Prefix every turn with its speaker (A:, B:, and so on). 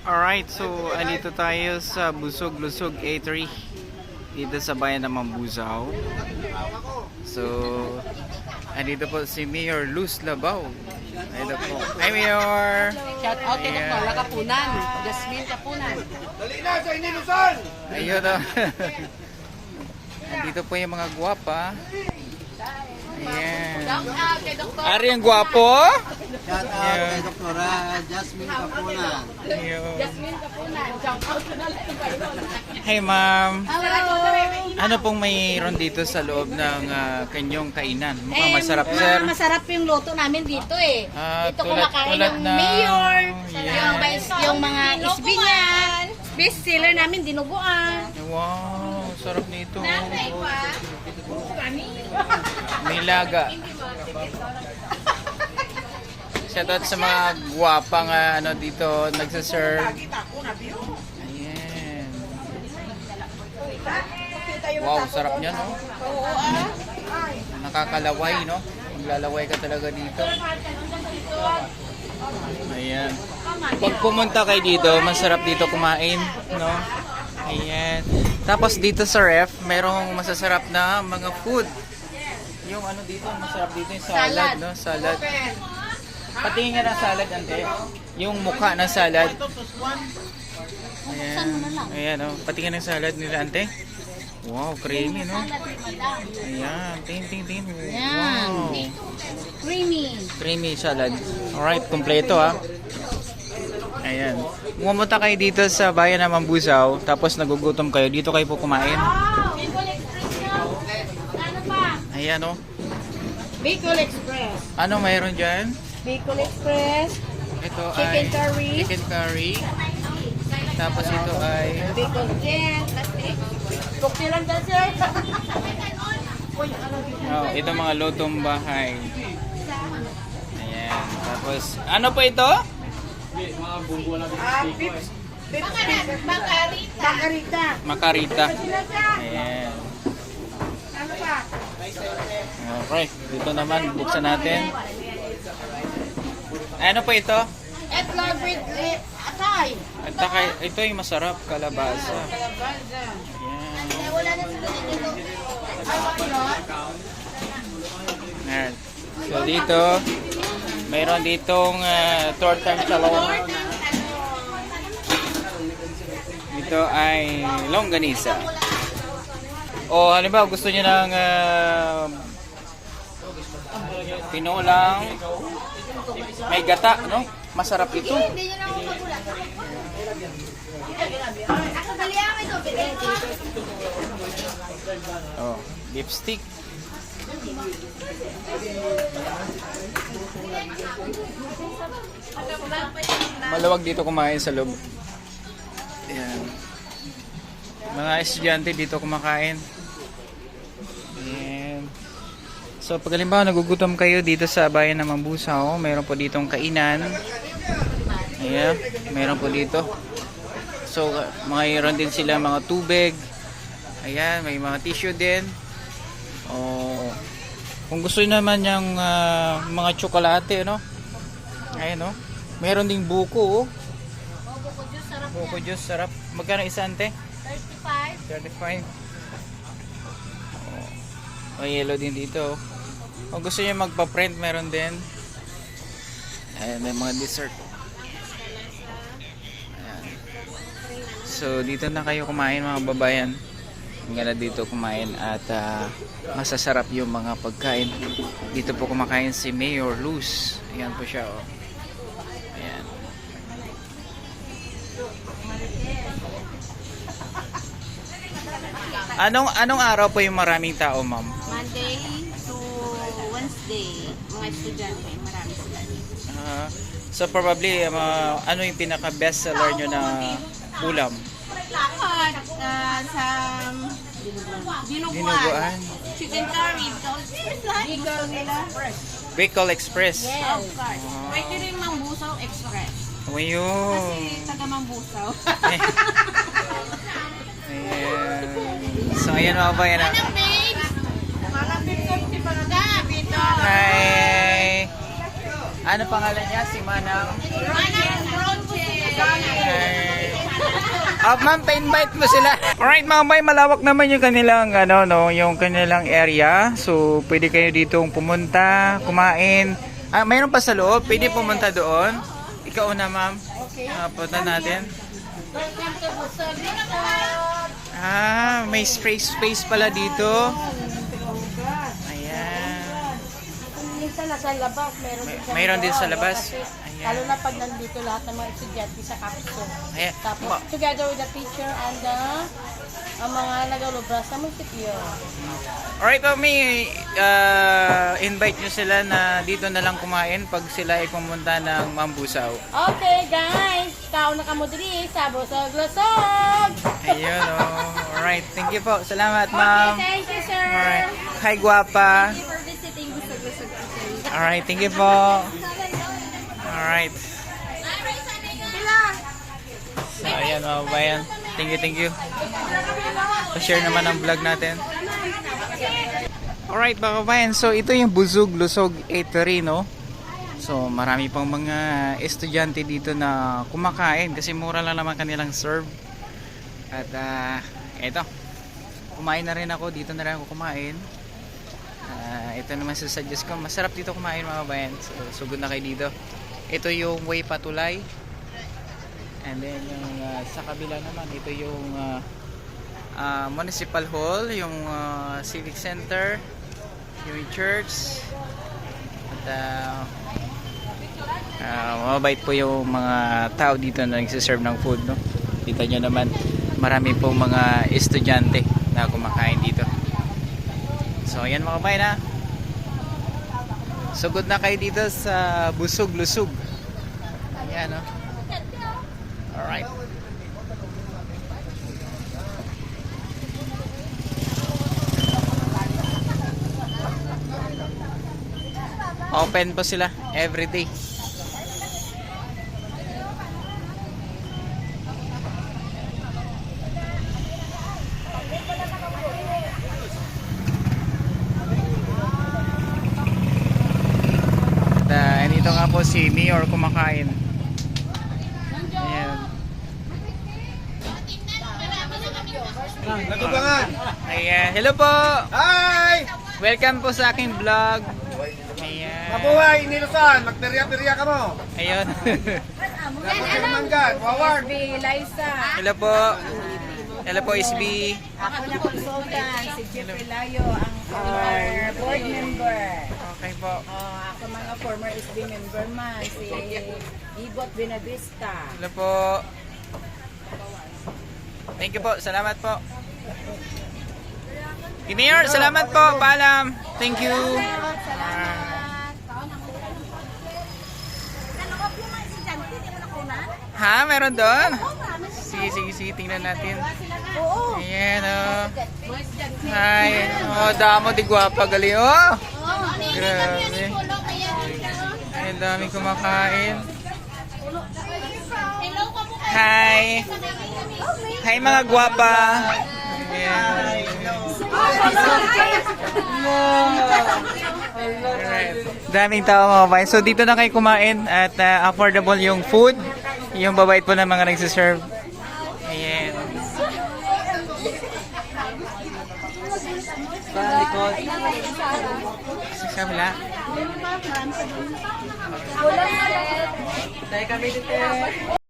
A: Alright, so andito tayo sa Busog Lusog A3 dito sa bayan ng Mambusaw. So, andito po si Mayor Luz Labaw. Andito po. Hi, Mayor!
B: Shout out kay Dr. Kapunan, Jasmine Kapunan.
C: Dali na sa Inilusan!
A: Ayun o. Andito po yung mga guwapa. Ayan.
B: Shout out kay Dr.
A: Ari ang guwapo?
C: Shout out kay Dr. Jasmine Kapunan.
A: Ayun.
B: Jasmine Kapunan. Shout out ko na lang kayo.
A: Hi, ma'am.
B: Hello.
A: Ano pong mayroon dito sa loob ng kanyang kainan? Mukhang masarap, sir.
D: Masarap yung luto namin dito eh.
A: Ah,
D: Dito
A: tulad-
D: kumakain
A: tulad
D: ng
A: ng-
D: mayor,
A: Yeah.
D: yung mga isbi niya. Best seller namin, dinuguan.
A: Wow, sarap nito. May laga. Shoutout sa mga guwapang ano dito nagsaserve. Ayan. Wow, sarap niya, no? Nakakalaway, no? Maglalaway ka talaga dito. Ayan. Pag pumunta kayo dito, masarap dito kumain, no? Ayan. Tapos dito sa ref, merong masasarap na mga food. Yung ano dito, masarap dito yung salad, no? Salad. Patingin nga ng salad, ante. Yung mukha ng salad. Ayan. Ayan, no? Patingin ng salad nila, ante. Wow, creamy, no? Ayan. Tingin. Wow.
D: Creamy.
A: Creamy salad. Alright, kompleto ha. Ayan. Pumunta kayo dito sa bayan ng Mambusaw, tapos nagugutom kayo, dito kayo po kumain. Ayan o.
D: Bicol Express.
A: Ano mayroon dyan?
D: Bicol Express.
A: Ito
D: Chicken
A: ay
D: curry.
A: chicken curry. Tapos ito ay
D: Bicol Jet. Cocktail dyan, sir.
A: ito mga lutong bahay. Ayan. Tapos ano po ito?
D: Bakarita.
A: Makarita. Ayan.
D: Ano pa?
A: Okay, dito naman buksan natin. Ano po ito?
D: Etlog with atay.
A: At saka ito yung masarap, kalabasa. Ayan.
D: Wala na sila dito.
A: Ayan. So dito, mayroon ditong tortang talong. Ito ay longganisa. O halimbawa gusto niyo ng tinolang may gata, no? Masarap ito.
D: Hindi nyo na ako magulat. Ako dali ako ito.
A: Oh, lipstick. Maluwag dito kumain sa loob. Ayan. Mga estudyante dito kumakain. Ayan. So pag halimbawa nagugutom kayo dito sa bayan ng Mambusaw, mayroon po ditong kainan. Ayan, mayroon po dito. So mayroon din sila mga tubig. Ayan, may mga tissue din. Oh, kung gusto niyo naman yung mga tsokolate, no? Ayan, no? Meron ding buko, oh.
D: Buko juice, sarap
A: Buko juice, sarap. Magkano isa, ante?
D: 35.
A: 35. Oh, may yellow din dito. Kung gusto niyo magpa-print, meron din. Ayan, may mga dessert. Ayan. So, dito na kayo kumain, mga babayan. Hanggang dito kumain at masasarap yung mga pagkain. Dito po kumakain si Mayor Luz. Ayan po siya, oh. Ayan. Anong araw po yung maraming tao, ma'am?
D: Monday to Wednesday, mga estudyante, marami sila dito.
A: So probably ano yung pinaka best seller nyo na ulam?
D: Sa
A: Dinuguan.
D: chicken curry, Bicol nila.
A: Bicol Express.
D: Yes, of course. Pwede rin Mambusaw Express.
A: Ayun.
D: Kasi taga Mambusaw.
A: Ayan. So ayan mga bayan.
D: babes? Mga babes, si Panaga, Bito.
A: Hi! Ano pangalan niya? Si Manang?
D: Manang Roche.
A: Hi! Ma'am, pa-invite mo sila. Alright mga bay, malawak naman yung kanilang yung kanilang area. So, pwede kayo ditong pumunta, kumain. Mayroon pa sa loob, pwede pumunta doon. Ikaw una, ma'am.
B: Okay.
A: Punta natin.
B: Welcome to Busog.
A: May space pala dito. Ayan.
B: Minsan nasa labas,
A: Mayroon din sa labas.
B: Kasi,
A: Ayan.
B: lalo na pag nandito lahat ng mga estudyante sa capsule.
A: Ayan.
B: Tapos, together with the teacher and ang mga nagalubras sa munisipyo.
A: Alright, may invite nyo sila na dito na lang kumain pag sila ay pumunta ng Mambusaw.
B: Okay, guys. Kao na kamo diri sa Busog-Lusog.
A: Ayun, oh. Alright, thank you po. Salamat, ma'am.
B: Okay, thank you, sir.
A: Alright. Hi, guwapa.
D: Thank you for visiting Busog-Lusog.
A: Alright, thank you po. Alright. So, ayan mga bayan. Thank you. Pa-share naman ang vlog natin. Alright mga bayan. So, ito yung Busog-Lusog Eatery, no? So, marami pang mga estudyante dito na kumakain kasi mura lang naman kanilang serve. At, eto. Kumain na rin ako. Dito na rin ako kumain. Ito naman susuggest ko. Masarap dito kumain mga bayan. So, sugod na kayo dito. Ito yung Way Patulay. And then yung sa kabila naman ito yung Municipal Hall, yung Civic Center, yung church. At mabait po yung mga tao dito na nagsiserve ng food, no? Kita nyo naman marami pong mga estudyante na kumakain dito. So ayan mga kabayan, ha. Sugod na kayo dito sa Busog-Lusog. Ayan, no? Alright. Open po sila every day. Dito nga po si Mayor kumakain. Ayan.
C: Natubangan!
A: Ayan. Hello po!
C: Hi!
A: Welcome po sa aking vlog. Ayan.
C: Mabuhay, Nilusan! Magperya-perya ka mo!
A: Ayun.
C: Manggan, Waward!
A: Hello po. Hello po, SB.
E: Ako na consultant, si Jeffrey Layo, ang former board member.
A: Okay po.
E: Ako mga former SB member man, si Ibot Benavista.
A: Hello po. Thank you po. Salamat po. Mayor, salamat po. Paalam. Thank you. Ha? Meron doon? Sige. Tingnan natin. Ayan, oh. Hi. Oh, damo di guwapa. Galing, oh. Grabe. Ay, dami kumakain. Hi. Hi, mga guwapa. Ayan. Alright. Daming tao mga kabayan. So dito na kayo kumain at affordable yung food. Yung babait po ng mga nagsiserve. Ayan. Sa kabila.
E: Kulang